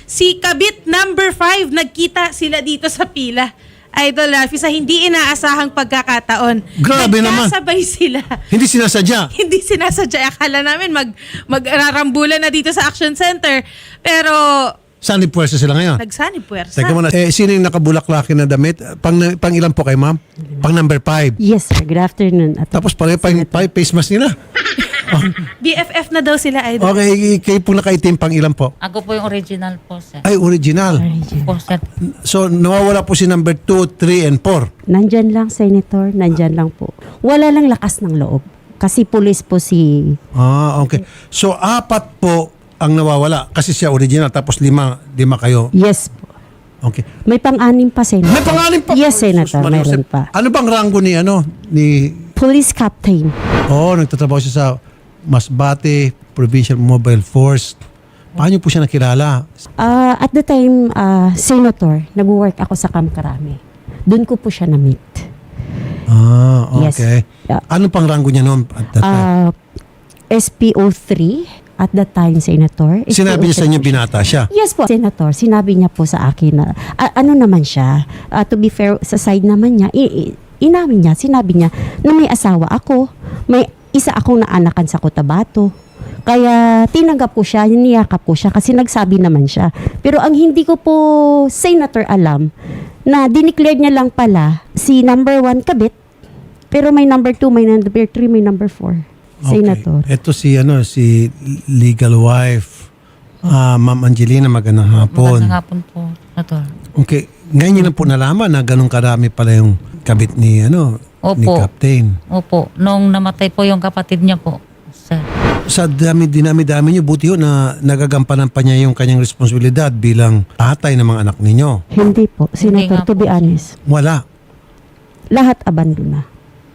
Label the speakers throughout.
Speaker 1: Si kabit number 5, nagkita sila dito sa pila. Idol Rafi, sa hindi inaasahang pagkakataon.
Speaker 2: Grabe naman.
Speaker 1: Nagkasabay sila.
Speaker 2: Hindi sinasadya.
Speaker 1: Hindi sinasadya. Akala namin magrarambulan na dito sa Action Center. Pero
Speaker 2: Saan ni puwersa sila ngayon?
Speaker 1: nagsanib puwersa.
Speaker 2: Teka muna, sino yung nakabulaklakin na damit? Pang ilan po kay ma'am? Pang number 5.
Speaker 3: Yes, sir. Good afternoon.
Speaker 2: Tapos pareho pa yung face mask nila.
Speaker 1: BFF na daw sila, Idol.
Speaker 2: Okay, kayo po nakaitim pang ilan po?
Speaker 4: Ako po yung original po, sir.
Speaker 2: Ay, original.
Speaker 4: Po, sir.
Speaker 2: So, nawawala po si number 2, 3, and 4.
Speaker 3: Nandyan lang, Senator. Nandyan lang po. Wala lang lakas ng loob. Kasi pulis po si...
Speaker 2: Ah, okay. So, 4 po ang nawawala kasi siya original tapos 5 kayo.
Speaker 3: Yes po.
Speaker 2: Okay.
Speaker 3: May pang-anim pa, Senator.
Speaker 2: May pangalan pa.
Speaker 3: Yes, Senator.
Speaker 2: Sus,
Speaker 3: Mayroon
Speaker 2: Joseph.
Speaker 3: pa.
Speaker 2: Ano bang rango ni
Speaker 3: Police Captain.
Speaker 2: nagtatrabaho siya sa Masbate Provincial Mobile Force. Paano po siya nakilala?
Speaker 3: At the time, Senator, nag-work ako sa Camp Crame. Doon ko po siya na-meet.
Speaker 2: Ah,
Speaker 3: Yes.
Speaker 2: okay.
Speaker 3: Yeah.
Speaker 2: Ano pang rango niya noon at that time?
Speaker 3: SPO3 at that time, Senator.
Speaker 2: Sinabi niya sa
Speaker 3: SPO3
Speaker 2: inyo
Speaker 3: po siya.
Speaker 2: binata siya.
Speaker 3: Yes po, Senator. Sinabi niya po sa akin na, ano naman siya, to be fair, sa side naman niya, inamin niya, sinabi niya na may asawa ako, may isa akong naanakan sa Cotabato. Kaya tinanggap ko siya, niyakap ko siya kasi nagsabi naman siya. Pero ang hindi ko po, Senator, alam, na dineclare niya lang pala si number 1 kabit, pero may number 2, may number 3, may number 4. Senator.
Speaker 2: Ito si legal wife, Ma'am Angelina, magandang hapon.
Speaker 4: Magandang hapon po, Senator.
Speaker 2: Okay, ngayon niyo lang po nalaman na ganun karami pala yung kabit ni ni
Speaker 4: Opo.
Speaker 2: Captain.
Speaker 4: Opo. Nung namatay po yung kapatid niya po, sir.
Speaker 2: Sa dinami niyo, buti ho na nagagampanan pa niya yung kanyang responsibilidad bilang tatay ng mga anak ninyo.
Speaker 3: Hindi po,
Speaker 4: Hindi
Speaker 3: Senator,
Speaker 4: nga
Speaker 3: to be
Speaker 4: po.
Speaker 3: honest.
Speaker 2: Wala.
Speaker 3: Lahat abandon na.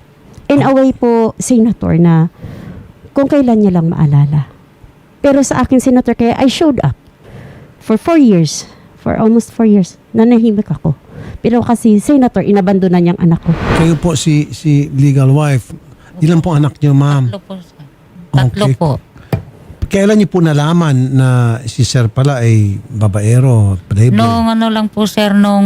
Speaker 3: In a way po, Senator, na kung kailan niya lang maalala. Pero sa akin, Senator, kaya I showed up for 4 years, for almost 4 years, nanahimik ako. Pero kasi, Senator, inabandona niyang anak ko.
Speaker 2: Kayo po si legal wife. Ilan po anak niyo, ma'am?
Speaker 4: Tatlo po, sir. Tatlo
Speaker 2: Okay.
Speaker 4: po.
Speaker 2: Kailan niyo po nalaman na si Sir pala ay babaero, playboy?
Speaker 4: Nung ano lang po, sir, nung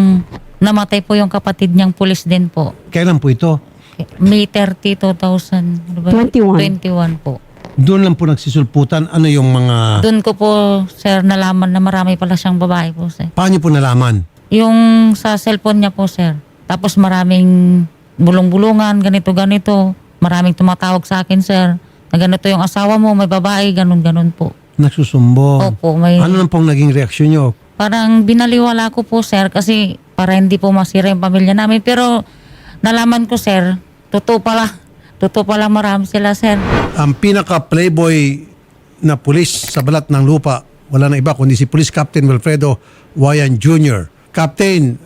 Speaker 4: namatay po yung kapatid niyang pulis din po.
Speaker 2: Kailan po ito?
Speaker 4: May 30, 2000. Ano ba?
Speaker 3: 21.
Speaker 4: 21 po.
Speaker 2: Doon lang po nagsisulputan. Ano yung mga...
Speaker 4: Doon ko po, sir, nalaman na marami pala siyang babae po, sir.
Speaker 2: Paano niyo po nalaman?
Speaker 4: Yung sa cellphone niya po, sir. Tapos maraming bulong-bulungan, ganito-ganito. Maraming tumatawag sa akin, sir. Na ganito yung asawa mo, may babae, ganun-ganun po.
Speaker 2: Nagsusumbong.
Speaker 4: Opo, may...
Speaker 2: Ano lang pong naging reaksyon niyo?
Speaker 4: Parang binaliwala ko po, sir, kasi para hindi po masira yung pamilya namin. Pero nalaman ko, sir, totoo pala marami sila, sir.
Speaker 2: Ang pinaka-playboy na pulis sa balat ng lupa, wala na iba kundi si Police Captain Wilfredo Wayan Jr. Captain,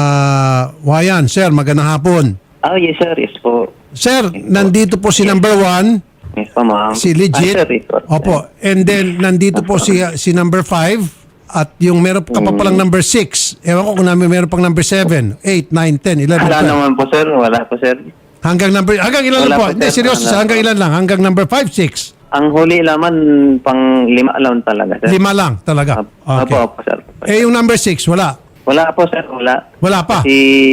Speaker 2: Wayan, sir, magandang hapon.
Speaker 5: Oh, yes sir. Yes po.
Speaker 2: Sir, nandito po si number 1,
Speaker 5: Yes po, ma'am.
Speaker 2: si Legit.
Speaker 5: Sir, ito.
Speaker 2: Opo. And then, nandito po si number 5. At yung meron ka pa palang number 6. Ewan ko kung meron pang number 7, 8, 9, 10, 11,
Speaker 5: Wala
Speaker 2: 12.
Speaker 5: naman po, sir. Wala po, sir.
Speaker 2: Hanggang ilan lang
Speaker 5: Wala
Speaker 2: po?
Speaker 5: po,
Speaker 2: Hindi,
Speaker 5: sir.
Speaker 2: seryoso.
Speaker 5: Wala
Speaker 2: Hanggang
Speaker 5: po.
Speaker 2: ilan lang? Hanggang number 5, 6.
Speaker 5: Ang huli laman, pang 5 lang talaga, sir.
Speaker 2: 5 lang talaga. Okay.
Speaker 5: Opo, sir.
Speaker 2: Yung number 6, wala.
Speaker 5: Wala po, sir. Wala.
Speaker 2: Wala pa.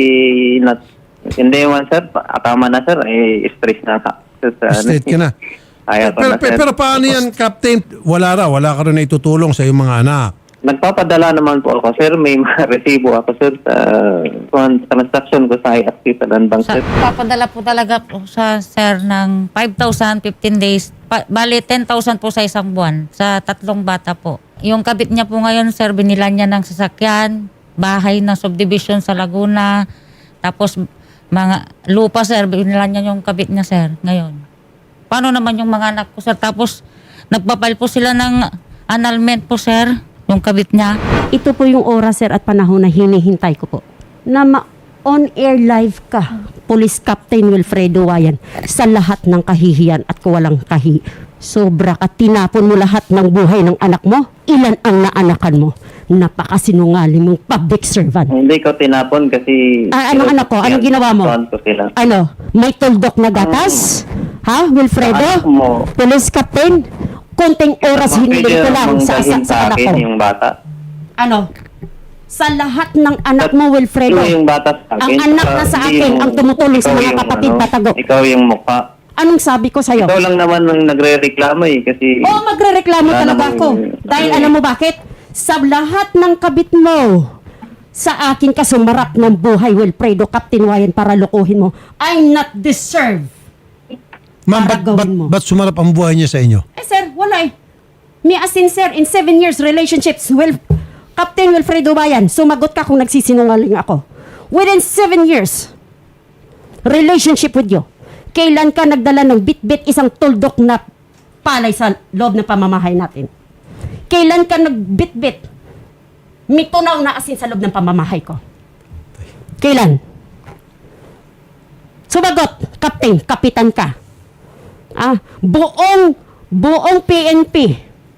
Speaker 5: Hindi man, sir. Tama na, sir. Stress na. Sir,
Speaker 2: Straight ka na.
Speaker 5: Ayaw ko na, sir.
Speaker 2: Pero paano yan, Captain? Wala ka rin na itutulong sa iyong mga anak.
Speaker 5: Nagpapadala naman po ako, sir. May mga resibo ako, sir, sa transaction ko sa IFC Land Bank,
Speaker 4: Sa,
Speaker 5: sir.
Speaker 4: papadala po talaga po sa, sir, ng 5,000, 15 days. Bali, 10,000 po sa isang buwan sa 3 bata po. Yung kabit niya po ngayon, sir, binilan niya ng sasakyan, bahay ng subdivision sa Laguna, tapos mga lupa, sir, binilan niya yung kabit niya, sir, ngayon. Paano naman yung mga anak ko, sir? Tapos, nagpapile po sila ng annulment po, sir, yung kabit niya.
Speaker 3: Ito po yung oras, sir, at panahon na hinihintay ko po. Na on-air live ka, Police Captain Wilfredo Wayan, sa lahat ng kahihiyan at kawalang sobra ka, tinapon mo lahat ng buhay ng anak mo. Ilan ang naanakan mo? Napakasinungaling mong public servant.
Speaker 5: Hindi ko tinapon kasi...
Speaker 3: Anong anak ko? Anong ginawa mo?
Speaker 5: Ko sila.
Speaker 3: Ano? May tuldok na gatas? Ha, Wilfredo?
Speaker 5: Anak mo.
Speaker 3: Police Captain? Konting oras hinilin ko lang sa
Speaker 5: Manggahin
Speaker 3: anak ko.
Speaker 5: yung bata.
Speaker 3: Ano? Sa lahat ng anak mo, Wilfredo.
Speaker 5: Ikaw yung bata sa akin.
Speaker 3: Ang anak na sa
Speaker 5: Hindi
Speaker 3: akin,
Speaker 5: yung-
Speaker 3: ang tumutulong sa
Speaker 5: ikaw
Speaker 3: mga
Speaker 5: yung,
Speaker 3: kapatid, patago.
Speaker 5: Ikaw yung mukha.
Speaker 3: Anong sabi ko sa'yo?
Speaker 5: Ikaw lang naman ang nagre-reklamo kasi...
Speaker 3: Oo, magre-reklamo
Speaker 5: Wala
Speaker 3: talaga
Speaker 5: namang-
Speaker 3: ako. Dahil alam mo bakit? Sa lahat ng kabit mo, sa akin ka sumarap ng buhay, Wilfredo, Captain Wayan, para lokohin mo. I'm not deserve.
Speaker 2: Ma'am,
Speaker 3: Para gawin mo.
Speaker 2: ba't sumarap ang buhay niya sa inyo?
Speaker 3: Eh sir, wala eh. Me as in sir, in 7 years relationships, Captain Wilfredo Wayan, sumagot ka kung nagsisinungaling ako. Within 7 years, relationship with you, kailan ka nagdala ng bit-bit isang tuldok na palay sa loob ng pamamahay natin? Kailan ka nagbit-bit mitunaw na asin sa loob ng pamamahay ko? Kailan? Sumagot, Captain, kapitan ka. Buong PNP,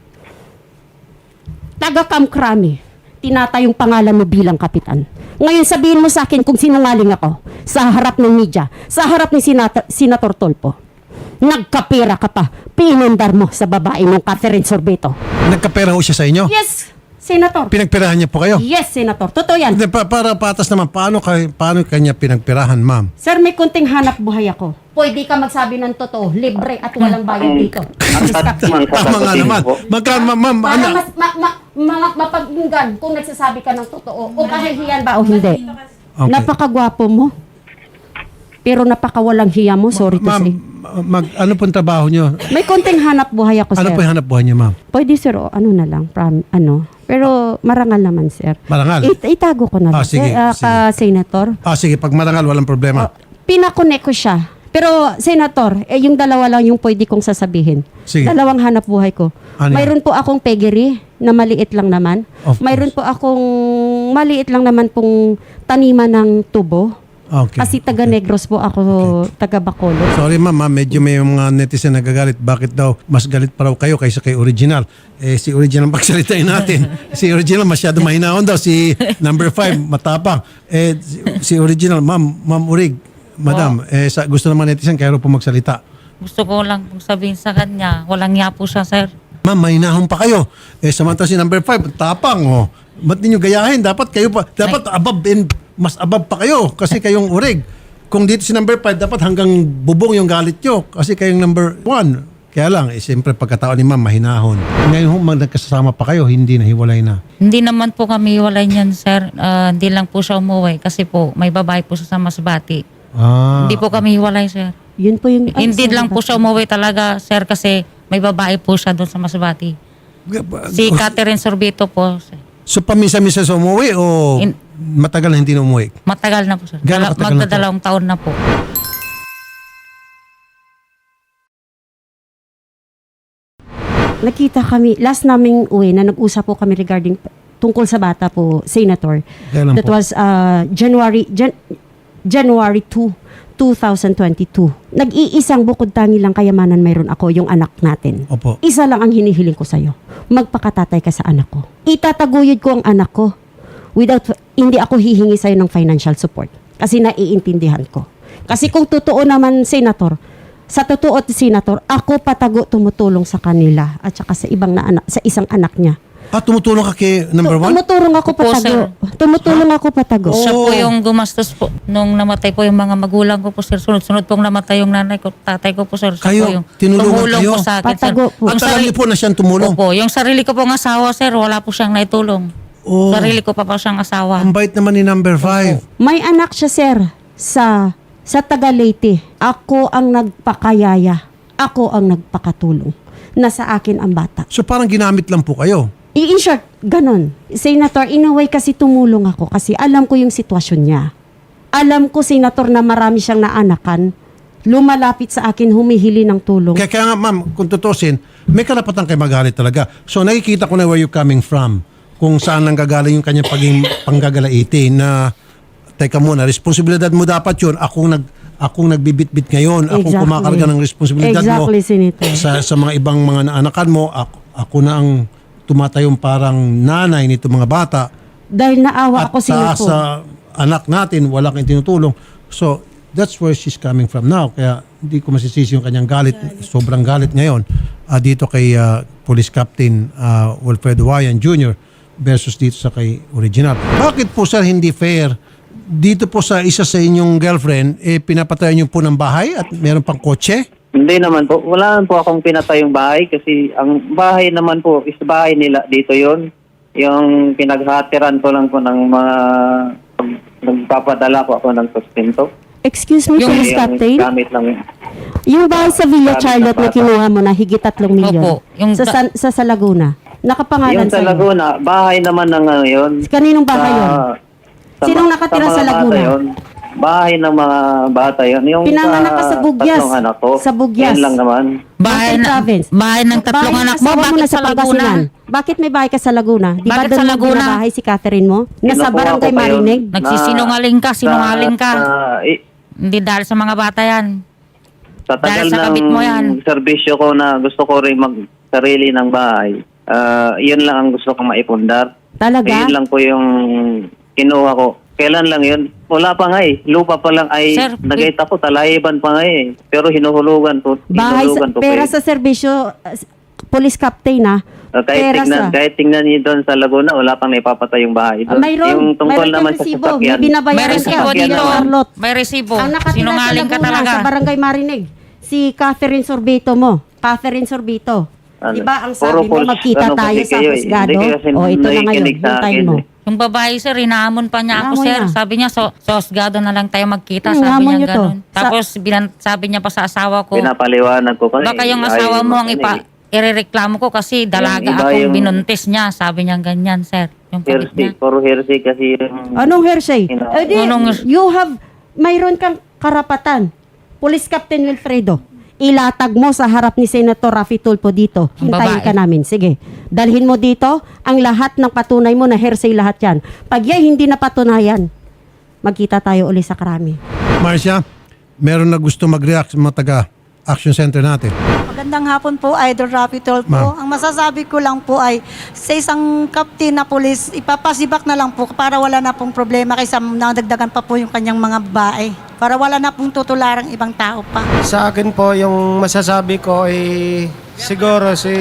Speaker 3: taga Kamkrami, tinatayong pangalan mo bilang kapitan. Ngayon sabihin mo sa akin kung sinungaling ako sa harap ng media, sa harap ni Senator Tolpo. Nagkapera ka pa, pinundar mo sa babae mong Catherine Sorbeto.
Speaker 2: Nagkapera ho siya sa inyo?
Speaker 3: Yes, Senator.
Speaker 2: Pinagperahan niya po kayo?
Speaker 3: Yes, Senator. Totoo yan.
Speaker 2: Hindi, para patas naman, paano kanya pinagperahan, ma'am?
Speaker 3: Sir, may kunting hanap buhay ako. Pwede ka magsabi ng totoo, libre at walang bayad dito.
Speaker 5: Ang naman sa
Speaker 2: Tama nga
Speaker 5: kapatid
Speaker 2: naman.
Speaker 5: ko.
Speaker 2: Magkano, ma'am,
Speaker 3: Para
Speaker 2: ano?
Speaker 3: mas mapaginggan kung nagsasabi ka ng totoo o kahihiyan ba o hindi.
Speaker 2: Okay.
Speaker 3: Napakagwapo mo. Pero napakawalang hiya mo, sorry to
Speaker 2: Ma'am,
Speaker 3: say.
Speaker 2: ano pong trabaho niyo?
Speaker 3: May konting hanap buhay ako,
Speaker 2: Ano
Speaker 3: sir.
Speaker 2: po yung hanap buhay niyo, ma'am?
Speaker 3: Pwede, sir, o ano na lang, pero marangal naman, sir.
Speaker 2: Marangal?
Speaker 3: Itago ko na lang,
Speaker 2: Sige,
Speaker 3: sir, Senator.
Speaker 2: Sige, pag marangal, walang problema.
Speaker 3: Pinakonek ko siya. Pero, Senator, yung dalawa lang yung pwede kong sasabihin.
Speaker 2: Sige.
Speaker 3: Dalawang hanap buhay ko.
Speaker 2: Ano yan?
Speaker 3: Mayroon po akong peggery na maliit lang naman.
Speaker 2: Of
Speaker 3: Mayroon po akong maliit lang naman pong taniman ng tubo.
Speaker 2: Okay.
Speaker 3: Kasi taga Negros po ako, taga Bacolod.
Speaker 2: Sorry ma'am, medyo may mga netizen nagagalit. Bakit daw mas galit pa raw kayo kaysa kay Original? Si Original pagsalitain natin. Si Original masyado mahinahon daw. Si number 5 matapang. Si Original, ma'am Urig, madam, gusto naman netizen kayo po magsalita.
Speaker 4: Gusto ko lang pong sabihin sa kanya, walang niya po siya, sir.
Speaker 2: Ma'am, mahinahon pa kayo. Samantala si number 5, tapang. Ba't ninyo gayahin? Dapat kayo pa, dapat above and mas above pa kayo kasi kayong Urig. Kung dito si number 5, dapat hanggang bubong yung galit nyo kasi kayong number 1. Kaya lang, siyempre pagkatao ni ma'am, mahinahon. Ngayon, nagkasama pa kayo, hindi na, hiwalay na.
Speaker 4: Hindi naman po kami walay niyan, sir. Hindi lang po siya umuwi kasi po may babae po siya sa Masbati. Hindi po kami hiwalay, sir.
Speaker 3: Yun po yung...
Speaker 4: Hindi lang po siya umuwi talaga, sir, kasi may babae po siya doon sa Masbati. Si Catherine Sorbeto po, sir.
Speaker 2: So, paminsan-minsan sa umuwi o matagal na hindi na umuwi?
Speaker 4: Matagal na po, sir.
Speaker 2: Gaano katagal na po?
Speaker 4: Magdadalawang taon na po.
Speaker 3: Nakita kami, last naming uwi na nag-usap po kami regarding tungkol sa bata po, Senator.
Speaker 2: Kailan
Speaker 3: That
Speaker 2: po?
Speaker 3: was January 2, 2022. Nag-iisang bukod tangi lang kayamanan mayroon ako, yung anak natin.
Speaker 2: Opo.
Speaker 3: Isa lang ang hinihiling ko sa'yo. Magpakatatay ka sa anak ko. Itataguyod ko ang anak ko. Hindi ako hihingi sa'yo ng financial support. Kasi naiintindihan ko. Kasi kung totoo naman, Senator, sa totoo, Senator, ako patago tumutulong sa kanila at saka sa ibang na anak, sa isang anak niya.
Speaker 2: Tumutulong ka kay number 1?
Speaker 3: Tumutulong ako
Speaker 4: Opo,
Speaker 3: patago. Tumutulong ako patago.
Speaker 4: Siya po yung gumastos po nung namatay po yung mga magulang ko po, sir. Sunod-sunod pong namatay yung nanay ko, tatay ko po, sir. Siya
Speaker 2: Kayo,
Speaker 4: po yung
Speaker 2: tinulungan
Speaker 4: tumulong
Speaker 2: kayo?
Speaker 4: po sa akin, sir.
Speaker 3: Patago po.
Speaker 2: At alam niyo po na siyang tumulong?
Speaker 4: Opo, yung sarili ko pong asawa, sir, wala po siyang naitulong.
Speaker 2: Oh.
Speaker 4: Sarili ko pa siyang asawa.
Speaker 2: Ang bait naman ni number 5.
Speaker 3: May anak siya, sir, sa taga Leyte. Ako ang nagpakayaya. Ako ang nagpakatulong. Nasa akin ang bata.
Speaker 2: So parang ginamit lang po kayo.
Speaker 3: In short, ganun. Senator, in a way kasi tumulong ako kasi alam ko yung sitwasyon niya. Alam ko, Senator, na marami siyang naanakan. Lumalapit sa akin, humihili ng tulong.
Speaker 2: Kaya nga ma'am, kung tutusin, may karapatan kayo magalit talaga. So nakikita ko na where you coming from. Kung saan nang gagaling yung kanyang paging panggagalaiti na teka muna, responsibilidad mo dapat yun. Akong nagbibitbit ngayon. Akong
Speaker 3: Exactly.
Speaker 2: kumakarga ng responsibilidad
Speaker 3: Exactly,
Speaker 2: mo.
Speaker 3: Senator.
Speaker 2: Sa mga ibang mga naanakan mo, ako na ang tumatayong parang nanay nito mga bata.
Speaker 3: Dahil naawa
Speaker 2: At
Speaker 3: ako, Senator.
Speaker 2: sa anak natin, wala kang tinutulong. So, that's where she's coming from now. Kaya hindi ko masisisi yung kanyang galit. Sobrang galit ngayon dito kay Police Captain Wilfredo Wayan Jr. versus dito sa kay original. Bakit po sir hindi fair? Dito po sa isa sa inyong girlfriend, pinapatayan niyo po ng bahay at meron pang kotse?
Speaker 5: Hindi naman po. Wala naman po akong pinatay yung bahay kasi ang bahay naman po is bahay nila dito yon. Yung pinaghatiran ko lang po ng mga nagpapadala ko ako ng sustento.
Speaker 3: Excuse me, Police Captain.
Speaker 5: Gamit lang.
Speaker 3: Yung bahay sa Villa Charlotte na kinuha mo na higit 3 milyon.
Speaker 4: Opo. Yung
Speaker 3: Sa Laguna. Nakapangalan
Speaker 5: Yung sa
Speaker 3: sa'yo.
Speaker 5: Laguna, bahay naman ng yun.
Speaker 3: Kaninong bahay yun? Sinong nakatira
Speaker 5: mga
Speaker 3: sa Laguna?
Speaker 5: bata yun. Bahay ng mga bata yun. Yung
Speaker 3: Pinanganak ka sa Bugyas.
Speaker 5: tatlong anak ko.
Speaker 3: Sa Bugyas.
Speaker 5: Yan lang naman.
Speaker 4: bahay,
Speaker 3: Mountain Province.
Speaker 4: bahay ng tatlong
Speaker 3: Bahay ng
Speaker 4: anak mo,
Speaker 3: asawa
Speaker 4: bakit
Speaker 3: na
Speaker 4: sa Laguna?
Speaker 3: Bakit may bahay ka sa Laguna? Di ba
Speaker 4: Bakit
Speaker 3: doon
Speaker 4: sa
Speaker 3: mo
Speaker 4: Laguna?
Speaker 3: binabahay si Catherine mo? Nasa
Speaker 5: Kinukuha
Speaker 3: barangay
Speaker 5: ko pa yun.
Speaker 3: Marinig?
Speaker 4: Nagsisinungaling ka, sinungaling ka. Hindi dahil sa mga bata yan.
Speaker 5: Sa tagal
Speaker 4: Dahil sa kabit mo yan.
Speaker 5: ng serbisyo ko na gusto ko rin mag-sarili ng bahay, yun lang ang gusto kong maipundar.
Speaker 3: Talaga?
Speaker 5: Yun lang po yung kinuha ko. Kailan lang yun? Wala pa nga eh. Lupa pa lang ay
Speaker 4: Sir,
Speaker 5: nagayta ko, talayiban pa nga eh. Pero hinuhulugan po.
Speaker 3: Bahay sa,
Speaker 5: Hinulugan po
Speaker 3: pera
Speaker 5: pa eh.
Speaker 3: sa serbisyo, Police Captain
Speaker 5: Kahit tingnan niyo doon sa Laguna, wala pang naipapatay yung bahay doon.
Speaker 3: Mayroon.
Speaker 5: Yung tungkol
Speaker 3: Mayroon
Speaker 5: naman
Speaker 3: kang
Speaker 5: sa
Speaker 3: resibo. May
Speaker 5: sasakyan.
Speaker 4: May
Speaker 3: binabayaran
Speaker 4: resibo
Speaker 3: ka.
Speaker 4: dito.
Speaker 3: Charlotte.
Speaker 4: May resibo.
Speaker 3: Ang nakatira sa
Speaker 4: Sinungaling ka
Speaker 3: Laguna,
Speaker 4: talaga.
Speaker 3: sa barangay Marinig, si Catherine Sorbito mo. Catherine Sorbito.
Speaker 5: Ano?
Speaker 3: Di ba ang
Speaker 5: Puro
Speaker 3: sabi mo,
Speaker 5: false,
Speaker 3: magkita
Speaker 5: ano
Speaker 3: tayo
Speaker 5: kasi
Speaker 3: sa
Speaker 5: kayo eh.
Speaker 3: husgado?
Speaker 5: Hindi kayo kasi
Speaker 3: O ito na ngayon,
Speaker 5: nakikinig sa
Speaker 3: hintayin
Speaker 5: akin
Speaker 3: mo.
Speaker 5: eh.
Speaker 4: Yung babae, sir, hinamon pa niya ako,
Speaker 3: Hamon
Speaker 4: sir.
Speaker 3: niya.
Speaker 4: Sabi niya, sa husgado na lang tayo magkita.
Speaker 3: Hmm,
Speaker 4: Sabi
Speaker 3: hamon
Speaker 4: niya
Speaker 3: niyo to.
Speaker 4: ganun. Tapos, sabi niya pa sa asawa ko,
Speaker 5: Pinapaliwanag ko kasi.
Speaker 4: baka yung asawa mo ang irereklamo ko kasi dalaga
Speaker 5: Yung iba
Speaker 4: akong
Speaker 5: yung-
Speaker 4: binuntis niya. Sabi niya ganyan, sir. Yung kabit
Speaker 5: Hearsay,
Speaker 4: niya.
Speaker 5: puro hearsay kasi yung...
Speaker 3: Anong hearsay? Eh di,
Speaker 4: Anong-
Speaker 3: you have, mayroon kang karapatan. Police Captain Wilfredo, ilatag mo sa harap ni Senator Raffy Tulfo dito.
Speaker 4: Ang
Speaker 3: Hintayin
Speaker 4: babae.
Speaker 3: ka namin. Sige. Dalhin mo dito ang lahat ng patunay mo na hearsay lahat yan. Pag yan hindi na patunayan, magkita tayo uli sa krami.
Speaker 2: Marcia, meron na gusto mag-react sa mga taga-action center natin.
Speaker 6: Magandang hapon po, Idol Raffy Tulfo.
Speaker 2: Ma'am.
Speaker 6: Ang masasabi ko lang po ay sa isang captain na pulis, ipapasibak na lang po para wala na pong problema kaysa nadagdagan pa po yung kanyang mga babae. Para wala na pong tutularang ibang tao pa.
Speaker 7: Sa akin po, yung masasabi ko ay siguro si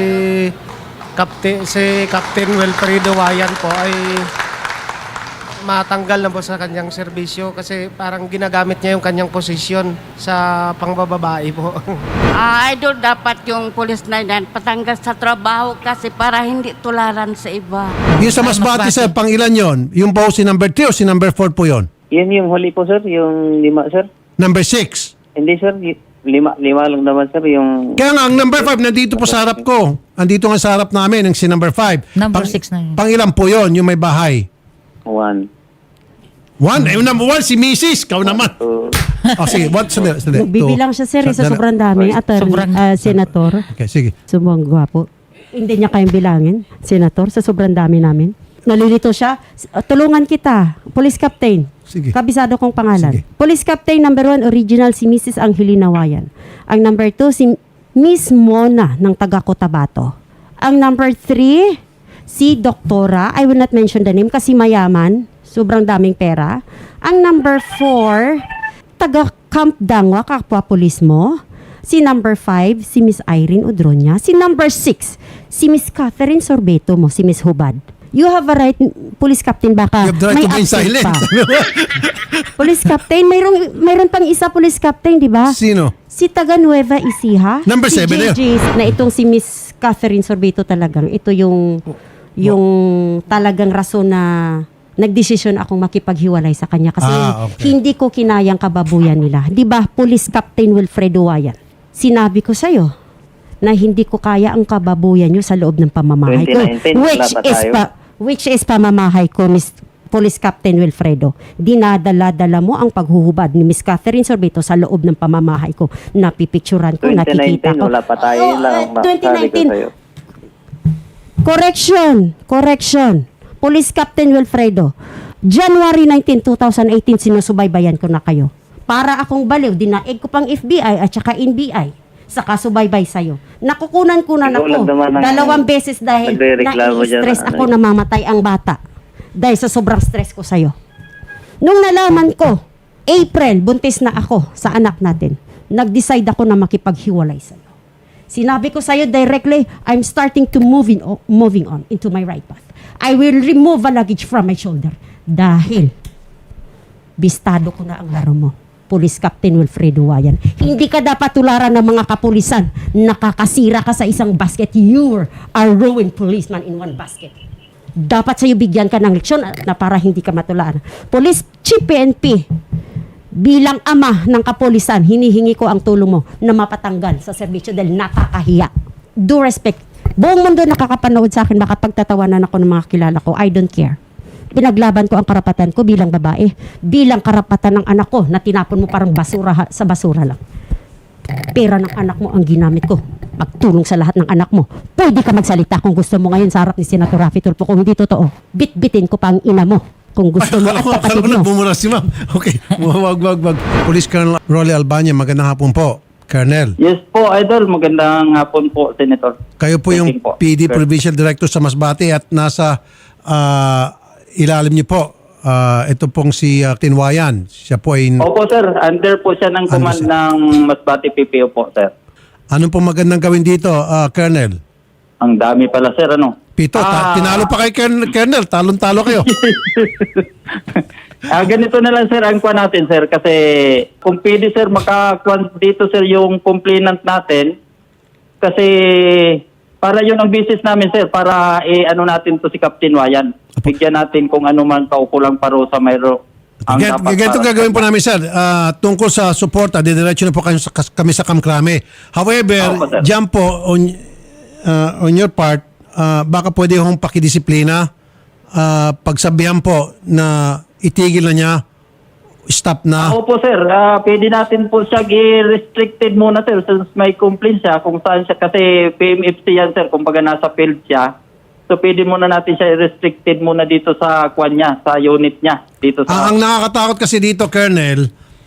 Speaker 7: Captain Wilfredo Wayan po ay matanggal na po sa kanyang serbisyo kasi parang ginagamit niya yung kanyang posisyon sa pangbababae po.
Speaker 8: Idol, dapat yung pulis na yan patanggal sa trabaho kasi para hindi tularan sa iba.
Speaker 2: Yung sa Masbate, sir, pang ilan yon? Yung po si number 3 o si number 4 po yon?
Speaker 5: Yun yung huli po, sir. Yung 5, sir.
Speaker 2: Number 6.
Speaker 5: Hindi, sir. 5 lang naman, sir. Yung...
Speaker 2: Kaya nga, ang number 5 nandito po sa harap ko. Andito nga sa harap namin, ang si number 5.
Speaker 4: Number 6 na yun.
Speaker 2: Pang ilan po yon, yung may bahay?
Speaker 5: 1.
Speaker 2: 1? Yung number 1, si Mrs. Kau naman. Oh, sige. What? Sandali.
Speaker 3: Bibilang siya, sir, sa sobrang dami. Senator.
Speaker 2: Okay, sige.
Speaker 3: Sumang gwapo. Hindi niya kayang bilangin, Senator, sa sobrang dami namin. Nalilito siya. Tulungan kita, Police Captain.
Speaker 2: Sige.
Speaker 3: Kabisado kong pangalan.
Speaker 2: Sige.
Speaker 3: Police Captain number 1, original si Mrs. Angelina Wayan. Ang number 2, si Miss Mona ng taga Cotabato. Ang number 3, si Doktora. I will not mention the name kasi mayaman. Sobrang daming pera. Ang number 4, taga Camp Dangwa, kapwa pulis mo. Si number 5, si Miss Irene Udronya. Si number 6, si Miss Catherine Sorbeto mo, si Miss Hubad. You have a right, Police Captain, baka
Speaker 2: You have the right
Speaker 3: may
Speaker 2: to be
Speaker 3: absent
Speaker 2: silent.
Speaker 3: pa. Police Captain, mayroon pang isa Police Captain, di ba?
Speaker 2: Sino?
Speaker 3: Si taga Nueva Ecija.
Speaker 2: Number
Speaker 3: si
Speaker 2: 7 na yun.
Speaker 3: JJ, na itong si Miss Catherine Sorbeto talagang. Ito yung talagang rason na nagdesisyon akong makipaghiwalay sa kanya kasi
Speaker 2: Okay.
Speaker 3: hindi ko kinayang kababuyan nila. Di ba, Police Captain Wilfredo Wayan? Sinabi ko sa'yo na hindi ko kaya ang kababuyan nyo sa loob ng pamamahay ko.
Speaker 5: 2019, wala pa tayo.
Speaker 3: Which is pamamahay ko, Miss Police Captain Wilfredo. Dinadala-dala mo ang paghuhubad ni Miss Catherine Sorbeto sa loob ng pamamahay ko. Napipicturan ko, nakikita
Speaker 5: 2019,
Speaker 3: ko.
Speaker 5: wala pa tayo lang. Sabi ko sa'yo.
Speaker 3: Correction. Police Captain Wilfredo. January 19, 2018, sinusubaybayan ko na kayo. Para akong baliw, dinaig ko pang FBI at saka NBI sa kasubaybay sa'yo. Nakukunan ko na
Speaker 5: Ikaw lang
Speaker 3: ako.
Speaker 5: naman ang
Speaker 3: 2 beses dahil
Speaker 5: nagrereklamo dyan,
Speaker 3: nai-stress
Speaker 5: ano
Speaker 3: ako
Speaker 5: eh.
Speaker 3: na mamatay ang bata. Dahil sa sobrang stress ko sa'yo. Nung nalaman ko, April, buntis na ako sa anak natin. Nag-decide ako na makipaghiwalay sa'yo. Sinabi ko sa'yo directly, I'm starting to moving on into my right path. I will remove a luggage from my shoulder. Dahil, bistado ko na ang laro mo. Police Captain Wilfredo Wayan. Hindi ka dapat tularan ng mga kapulisan. Nakakasira ka sa isang basket. You are a ruined policeman in one basket. Dapat sa'yo bigyan ka ng leksyon na para hindi ka matularan. Police Chief PNP, bilang ama ng kapulisan, hinihingi ko ang tulong mo na mapatanggal sa serbisyo dahil nakakahiya. Do respect. Buong mundo nakakapanood sa akin, makapagtatawanan ako ng mga kilala ko. I don't care. Pinaglaban ko ang karapatan ko bilang babae, bilang karapatan ng anak ko na tinapon mo parang basura sa basura lang. Pera ng anak mo ang ginamit ko. Magtulong sa lahat ng anak mo. Pwede ka magsalita kung gusto mo ngayon sa harap ni Senator Raffy Tulfo. Kung hindi totoo, bitbitin ko pa ang ina mo. Kung gusto mo at kapatid mo.
Speaker 2: Bumura si ma'am. Okay, wag. Police Colonel Rolly Albania, magandang hapon po. Colonel,
Speaker 5: Yes po, Idol. Magandang hapon po, Senator.
Speaker 2: kayo po yung
Speaker 5: Thank you po.
Speaker 2: PD
Speaker 5: Sir.
Speaker 2: Provincial Director sa Masbate at nasa ilalim niyo po ito pong si Tinwayan. Siya po ay
Speaker 5: Opo, sir. Under po siya ng command
Speaker 2: sir?
Speaker 5: ng Masbate PPO po, sir.
Speaker 2: anong pong magandang gawin dito, Colonel?
Speaker 5: Ang dami pala, sir. Ano?
Speaker 2: Pito, tinalo pa kay Colonel, talon-talo kayo.
Speaker 5: Ganito na lang, sir, ang kuha natin, sir. Kasi kung pwede, sir, makakuha dito, sir, yung complainant natin. Kasi para yun ang business namin, sir. Para ano natin to si Captain Wayan. Bigyan natin kung ano man kaukulang parusa mayro.
Speaker 2: Ganito gagawin po namin, sir. Tungkol sa suporta, didiretso na po kami sa Kamkrame. However,
Speaker 5: Opo, sir.
Speaker 2: dyan po, on your part, baka pwede hong pakidisiplina. Pagsabihan po na itigil na niya, stop na.
Speaker 5: Opo, sir. Pwede natin po siya i-restricted muna, sir. Since may complaint siya kung saan siya. Kasi PMFC yan, sir. Kumbaga nasa field siya. So pwede muna natin siya i-restricted muna dito sa kwan niya, sa unit niya. Dito sa...
Speaker 2: Ang nakakatakot kasi dito, Colonel,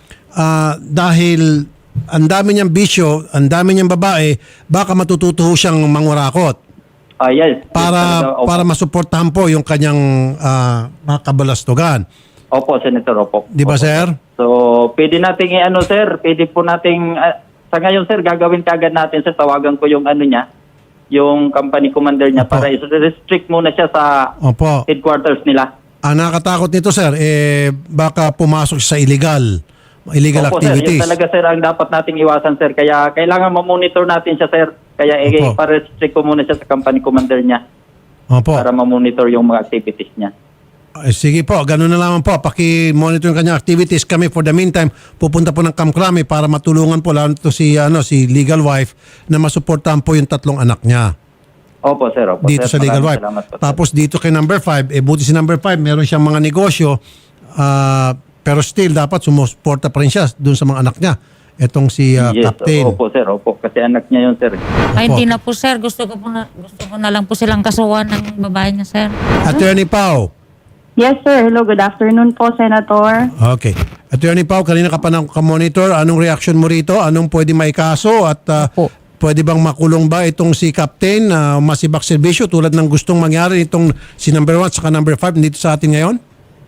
Speaker 2: dahil ang dami niyang bisyo, ang dami niyang babae, baka matututo ho siyang mangurakot
Speaker 5: yes.
Speaker 2: para
Speaker 5: Opo.
Speaker 2: para masuportahan po yung kanyang mga kabalastugan.
Speaker 5: Opo, Senator. Opo.
Speaker 2: Di ba,
Speaker 5: Opo.
Speaker 2: sir?
Speaker 5: So, pwede nating sir. Pwede po nating... sa ngayon, sir, gagawin kagad natin, sir. Tawagan ko yung niya, yung company commander niya
Speaker 2: Opo.
Speaker 5: para i-restrict muna siya sa
Speaker 2: Opo.
Speaker 5: headquarters nila.
Speaker 2: Ang nakakatakot nito, sir, baka pumasok siya sa illegal
Speaker 5: Opo, sir.
Speaker 2: activities.
Speaker 5: Yun talaga, sir, ang dapat nating iwasan, sir. Kaya kailangan ma-monitor natin siya, sir. Kaya
Speaker 2: Opo.
Speaker 5: i-restrict ko muna siya sa company commander niya
Speaker 2: Opo.
Speaker 5: para ma-monitor yung mga activities niya.
Speaker 2: Sige po, ganun na lamang po. Paki-monitor yung kanyang activities. Kami, for the meantime, pupunta po ng Kamkrame para matulungan po lalo to si legal wife na masuportahan po yung 3 anak niya.
Speaker 5: Opo, sir. Opo,
Speaker 2: Dito
Speaker 5: sir.
Speaker 2: sa legal
Speaker 5: Maraming
Speaker 2: wife.
Speaker 5: salamat po, sir.
Speaker 2: Tapos dito kay number 5, buti si number 5, meron siyang mga negosyo, pero still dapat sumusuporta pa rin siya dun sa mga anak niya. Etong si
Speaker 5: Yes,
Speaker 2: Captain.
Speaker 5: opo, sir. Opo, kasi anak niya yun, sir.
Speaker 4: Ay, hindi na po, sir. Gusto ko na lang po silang kasuhan ng babae niya, sir.
Speaker 2: Attorney Pao.
Speaker 9: Yes, sir. Hello, good afternoon po, Senator.
Speaker 2: Okay. Attorney Pao, kanina ka pa monitor. Anong reaction mo rito? Anong pwede maikaso? At
Speaker 4: Opo.
Speaker 2: pwede bang makulong ba itong si Captain masibak serbisyo tulad ng gustong mangyari itong si number 1 saka number 5 dito sa atin ngayon?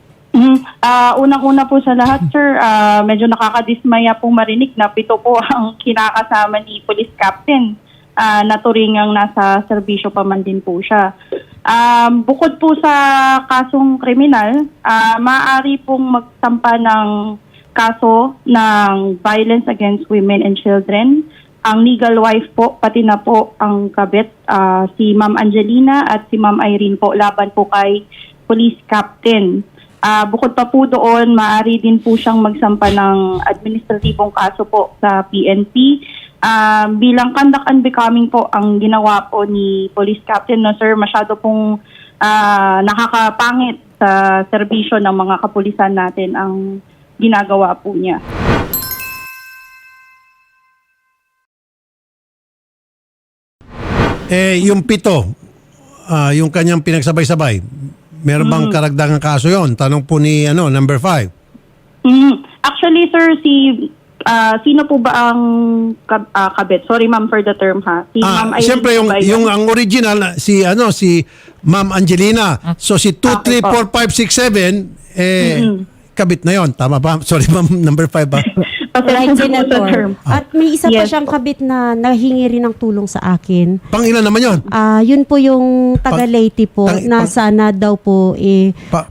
Speaker 9: Unang-una po sa lahat, sir, medyo nakakadismaya pong marinig na 7 po ang kinakasama ni Police Captain na turingang nasa serbisyo pa man din po siya. Bukod po sa kasong kriminal, maaari pong magsampa ng kaso ng violence against women and children. Ang legal wife po, pati na po ang kabit, si Ma'am Angelina at si Ma'am Irene po, laban po kay Police Captain. Bukod pa po doon, maaari din po siyang magsampa ng administratibong kaso po sa PNP. Bilang conduct unbecoming po ang ginawa po ni Police Captain, no sir, masyado pong nakakapangit sa serbisyo ng mga kapulisan natin ang ginagawa po niya.
Speaker 2: Yung 7, yung kanyang pinagsabay-sabay, meron bang karagdagang kaso yon? Tanong po ni number 5.
Speaker 9: Actually, sir, sino po ba ang kabit? Sorry, ma'am, for the term, ha? Si Ma'am Irene
Speaker 2: Siyempre
Speaker 9: po ba yun?
Speaker 2: yung ang original si Ma'am Angelina. So si 2, 3, 4, 5, 6, 7 kabit na yon. Tama ba? Sorry, ma'am, number 5 ba?
Speaker 3: Right,
Speaker 9: Pasensya na po,
Speaker 3: Senator.
Speaker 9: sir.
Speaker 3: At may isa pa
Speaker 9: Yes
Speaker 3: siyang
Speaker 9: po.
Speaker 3: kabit na nahingi rin ng tulong sa akin.
Speaker 2: Pang ilan naman yon?
Speaker 3: Yun po yung taga Leyte po na sana daw po
Speaker 2: Pa-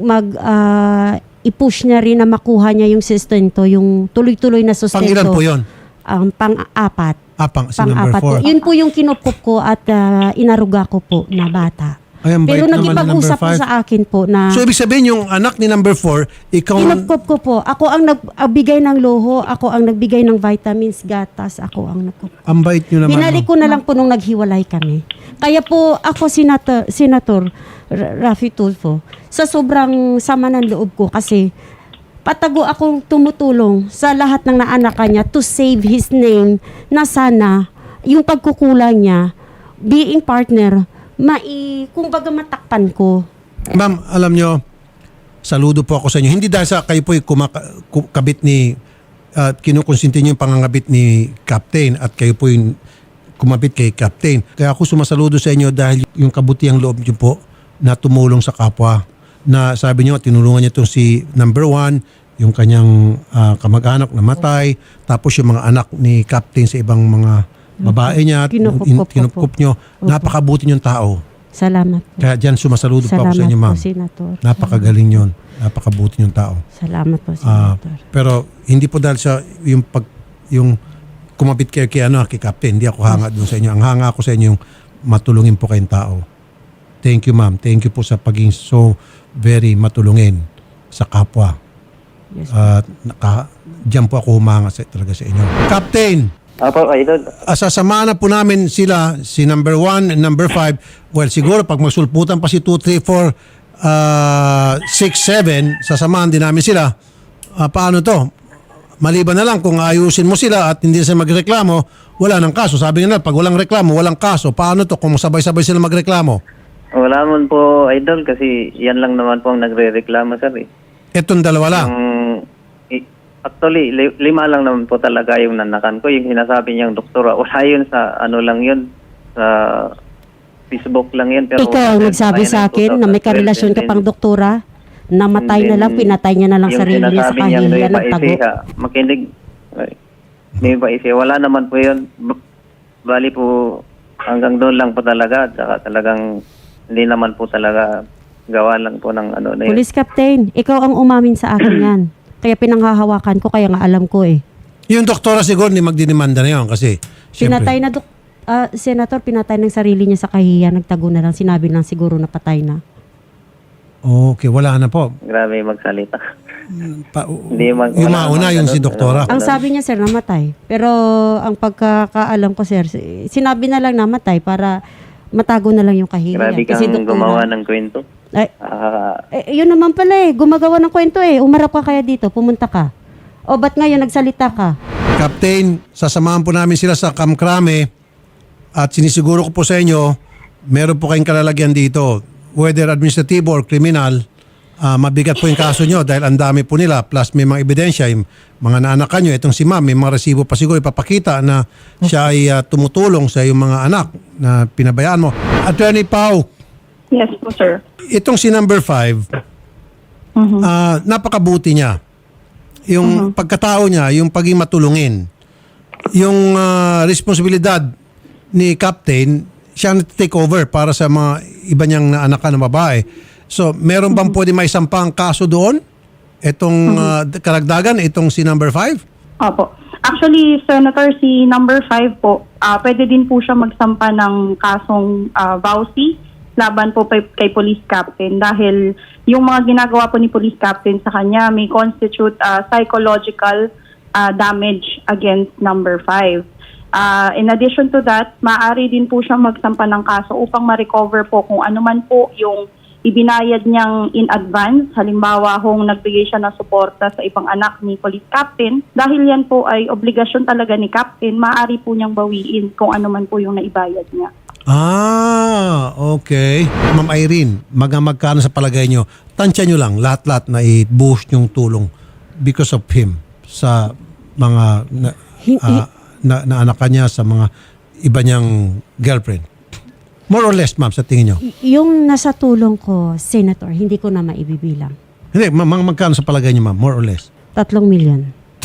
Speaker 3: i-push niya rin na makuha niya yung sustento, yung tuloy-tuloy na sustento.
Speaker 2: Pang ilan po yon?
Speaker 3: Pang-apat.
Speaker 2: Si number
Speaker 3: Pang-apat po.
Speaker 2: 4.
Speaker 3: Yun po yung kinukup ko at inaruga ko po na bata.
Speaker 2: Ay, ang bait
Speaker 3: Pero
Speaker 2: naman ni
Speaker 3: nagipag-usap po
Speaker 2: number 5.
Speaker 3: sa akin po na
Speaker 2: So, ibig sabihin, yung anak ni number 4, ikaw...
Speaker 3: kinupkup ko po. Ako ang nagbigay ng luho, ako ang nagbigay ng vitamins, gatas, ako ang nagkup.
Speaker 2: Ang bait nyo naman.
Speaker 3: Binalik ko na lang po nung naghiwalay kami. Kaya po ako, Senator Raffy Tulfo, sa sobrang sama ng loob ko kasi patago akong tumutulong sa lahat ng naanakan niya to save his name na sana yung pagkukulang niya, being partner, kumbaga matakpan ko.
Speaker 2: Ma'am, alam nyo, saludo po ako sa inyo. Hindi dahil sa kayo po kabit ni, kinukonsinti nyo yung pangangabit ni Captain at kayo po yung kumabit kay Captain. Kaya ako sumasaludo sa inyo dahil yung kabutihang loob nyo po na tumulong sa kapwa. Na sabi nyo, tinulungan niya itong si number 1, yung kanyang kamag-anak na matay, tapos yung mga anak ni Captain sa ibang mga babae niya,
Speaker 3: Kinukup
Speaker 2: nyo. Napakabuti niyong tao.
Speaker 3: Salamat po.
Speaker 2: Kaya dyan sumasaludo po ako sa
Speaker 3: Salamat
Speaker 2: inyo, ma'am.
Speaker 3: po, Senator.
Speaker 2: Napakagaling yun. Napakabuti niyong tao.
Speaker 3: Salamat po, Senator.
Speaker 2: Pero hindi po dahil sa yung kumapit kayo kay Captain, hindi ako hanga doon sa inyo. Ang hanga ako sa inyo yung matulungin po kayong tao. Thank you, ma'am. Thank you po sa pagiging so very matulungin sa kapwa.
Speaker 3: Yes,
Speaker 2: At diyan po ako humanga talaga sa inyo. Captain,
Speaker 5: Apo, Idol.
Speaker 2: sasamahan na po namin sila, si number 1 and number 5. Well, siguro pag magsulputan pa si 2, 3, 4, 6, 7, sasamahan din namin sila. Paano to? Maliban na lang kung ayusin mo sila at hindi sila magreklamo, wala nang kaso. Sabi nga na, pag walang reklamo, walang kaso. Paano to kung sabay-sabay sila magreklamo?
Speaker 5: Wala man po, Idol, kasi yan lang naman po ang nagre-reklamo, sir.
Speaker 2: Etong dalawa lang.
Speaker 5: Actually, 5 lang naman po talaga yung nanakan ko. Yung sinasabi niyang doktora, wala yun sa ano lang yun, sa Facebook lang yun. Pero
Speaker 3: Ikaw ang nagsabi sa akin na may karelasyon ka pang doktora, namatay na lang, pinatay niya na lang sarili niya sa kahihiyan ng tago.
Speaker 5: Makinig. May paisi. Wala naman po yun. Bali po, hanggang doon lang po talaga. Saka talagang, hindi naman po talaga gawa lang po ng ano na yun.
Speaker 3: Police Captain, ikaw ang umamin sa akin yan. Kaya pinanghahawakan ko, kaya nga alam ko eh.
Speaker 2: Yung doktora siguro hindi magdinimanda na yun kasi
Speaker 3: Pinatay na, Senator, pinatay ng sarili niya sa kahihiyan, nagtago na lang, sinabi lang siguro na patay na.
Speaker 2: Okay, wala na po.
Speaker 5: Grabe magsalita.
Speaker 2: Yung mauna yung si doktora.
Speaker 3: Ang sabi niya, sir, namatay. Pero ang pagkakaalam ko, sir, sinabi na lang namatay para matago na lang yung kahihiyan.
Speaker 5: Grabe kang gumawa ng kwento.
Speaker 3: Ay, yun naman pala gumagawa ng kwento umarap ka kaya dito, pumunta ka. O ba't ngayon nagsalita ka?
Speaker 2: Captain, sasamahan po namin sila sa Kamkrame at sinisiguro ko po sa inyo, meron po kayong kalalagyan dito, whether administratibo or criminal, mabigat po yung kaso nyo dahil ang dami po nila plus may mga ebidensya, yung mga naanakan nyo, itong si ma'am, may mga resibo pa siguro ipapakita na siya ay tumutulong sa yung mga anak na pinabayaan mo. Attorney Pau,
Speaker 9: Yes po, sir.
Speaker 2: itong si number 5, napakabuti niya. Yung pagkatao niya, yung paging matulungin. Yung responsibilidad ni Captain, siya na-take over para sa mga iba niyang naanakan na babae. So, meron bang pwede may sampang kaso doon? Itong karagdagan, itong si number 5?
Speaker 9: Opo. Actually, Senator, si number 5 po, pwede din po siya magsampa ng kasong vowsy laban po kay Police Captain dahil yung mga ginagawa po ni Police Captain sa kanya may constitute psychological damage against number 5. In addition to that, maaari din po siyang magsampa ng kaso upang ma-recover po kung ano man po yung ibinayad niyang in advance. Halimbawa, kung nagbigay siya ng suporta sa ibang anak ni Police Captain, dahil yan po ay obligasyon talaga ni Captain, maaari po niyang bawiin kung ano man po yung naibayad niya.
Speaker 2: Okay. Ma'am Irene, magkano sa palagay nyo? Tansya nyo lang, lahat-lahat na i-boost yung tulong because of him sa mga naanakan niya, sa mga iba niyang girlfriend. More or less, ma'am, sa tingin nyo?
Speaker 3: Yung nasa tulong ko, Senator, hindi ko na maibibilang.
Speaker 2: Hindi, magkano sa palagay nyo, ma'am? More or less?
Speaker 3: 3 million.
Speaker 2: 3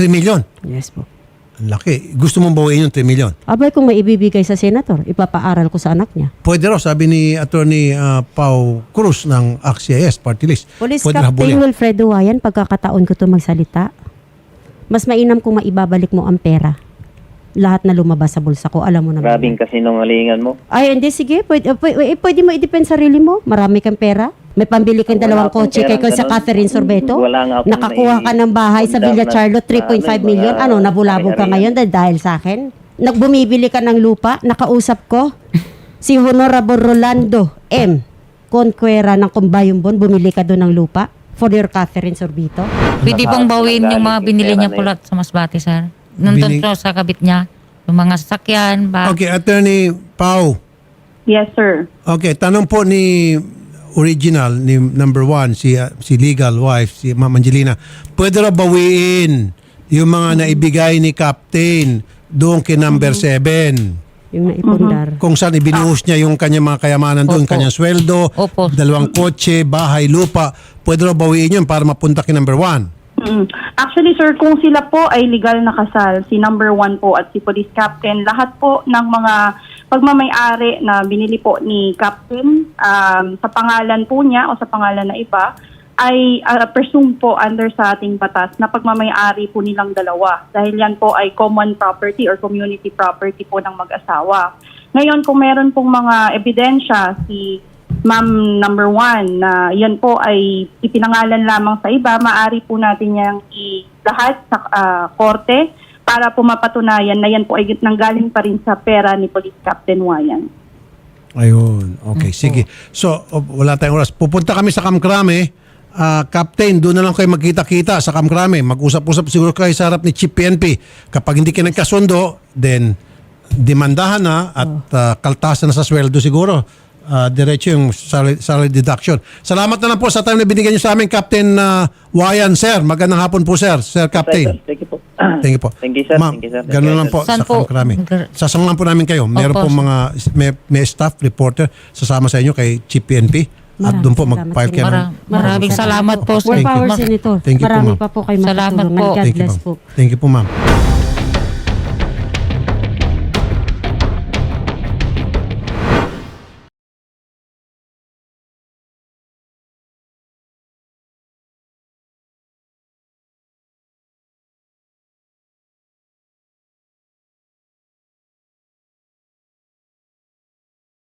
Speaker 2: 3 million.
Speaker 3: Yes po.
Speaker 2: Ang laki. Gusto mong bawiin yung 3 million.
Speaker 3: Abay, kung may ibibigay sa senator, ipapaaral ko sa anak niya.
Speaker 2: Pwede raw, sabi ni Attorney Pau Cruz ng AXIS Party List.
Speaker 3: Police
Speaker 2: Pwede
Speaker 3: Captain
Speaker 2: habulin.
Speaker 3: Wilfredo Wayan, pagkakataon ko to magsalita, mas mainam kung maibabalik mo ang pera. Lahat na lumabas sa bulsa ko, alam mo naman.
Speaker 10: Grabing kasinungalingan mo.
Speaker 3: Ay, hindi, sige. Pwede mo i-depend sarili mo. Marami kang pera. May pambili kang
Speaker 10: Wala
Speaker 3: 2
Speaker 10: akong
Speaker 3: kotse kay
Speaker 10: perang
Speaker 3: sa
Speaker 10: ganun.
Speaker 3: Catherine Sorbeto.
Speaker 10: Wala nga akong
Speaker 3: Nakakuha ka ng bahay sa Villa Charlotte, 3.5 million. Ano, nabulabog ka ngayon dahil sa akin? Nagbumibili ka ng lupa, nakausap ko. Si Honorable Rolando M. Conquera ng Combayumbon, bumili ka doon ng lupa for your Catherine Sorbito.
Speaker 4: Pwede pong bawiin yung mga binili niya po lahat sa Masbate, sir. Nandun
Speaker 2: Binig-
Speaker 4: po sa kabit niya. Yung mga sasakyan,
Speaker 2: Okay, Attorney Pau.
Speaker 9: Yes, sir.
Speaker 2: Okay, tanong po ni original, ni number 1, si legal wife, si Ma'am Angelina. Pwede raw bawiin yung mga naibigay ni Captain doon kay number 7.
Speaker 3: Yung naipundar.
Speaker 2: Kung saan ibinuhos niya yung kanyang mga kayamanan doon,
Speaker 4: Opo.
Speaker 2: kanyang sweldo,
Speaker 4: Opo.
Speaker 2: 2 kotse, bahay, lupa. Pwede raw bawiin yun para mapunta kay number 1.
Speaker 9: Actually, sir, kung sila po ay legal na kasal, si number 1 po at si police captain, lahat po ng mga pagmamayari na binili po ni captain sa pangalan po niya o sa pangalan na iba, ay presumed po under sa ating batas na pagmamayari po nilang dalawa. Dahil yan po ay common property or community property po ng mag-asawa. Ngayon, kung meron pong mga ebidensya si Ma'am number 1 na yan po ay ipinangalan lamang sa iba, maaari po natin yang ilahat sa korte para po mapatunayan na yan po ay nanggaling pa rin sa pera ni Police Captain Wayan.
Speaker 2: Ayun. Okay, sige. So, wala tayong oras. Pupunta kami sa Kamkrame. Captain, doon na lang kayo magkita-kita sa Kamkrame. Mag-usap-usap siguro kayo sa harap ni Chief PNP. Kapag hindi kayo nagkasundo, then demandahan na at kaltasan na sa sweldo siguro. Diretso yung salary deduction. Salamat na lang po sa time na binigyan niyo sa amin, Captain Wayan, sir. Magandang hapon po, sir. Sir Captain.
Speaker 10: Thank you po.
Speaker 2: Thank you po.
Speaker 10: Thank you, sir.
Speaker 2: Ma'am,
Speaker 10: Thank you, sir.
Speaker 2: ganun lang po
Speaker 4: Saan
Speaker 2: sa
Speaker 4: po?
Speaker 2: Kamkrame. Sasamahan po namin kayo. Meron
Speaker 4: Opo.
Speaker 2: po mga may staff reporter sasama sa inyo kay Chief PNP. At doon po
Speaker 3: Maraming
Speaker 2: mag-file kayo. ng-
Speaker 4: Maraming salamat po, sir.
Speaker 3: More power, Senator.
Speaker 2: Thank you po,
Speaker 3: Marami
Speaker 2: ma'am.
Speaker 3: pa po kayo
Speaker 4: Salamat
Speaker 3: matutulungan.
Speaker 4: po.
Speaker 3: God
Speaker 2: Thank you,
Speaker 3: bless
Speaker 2: ma'am.
Speaker 3: po.
Speaker 2: Thank you po, ma'am.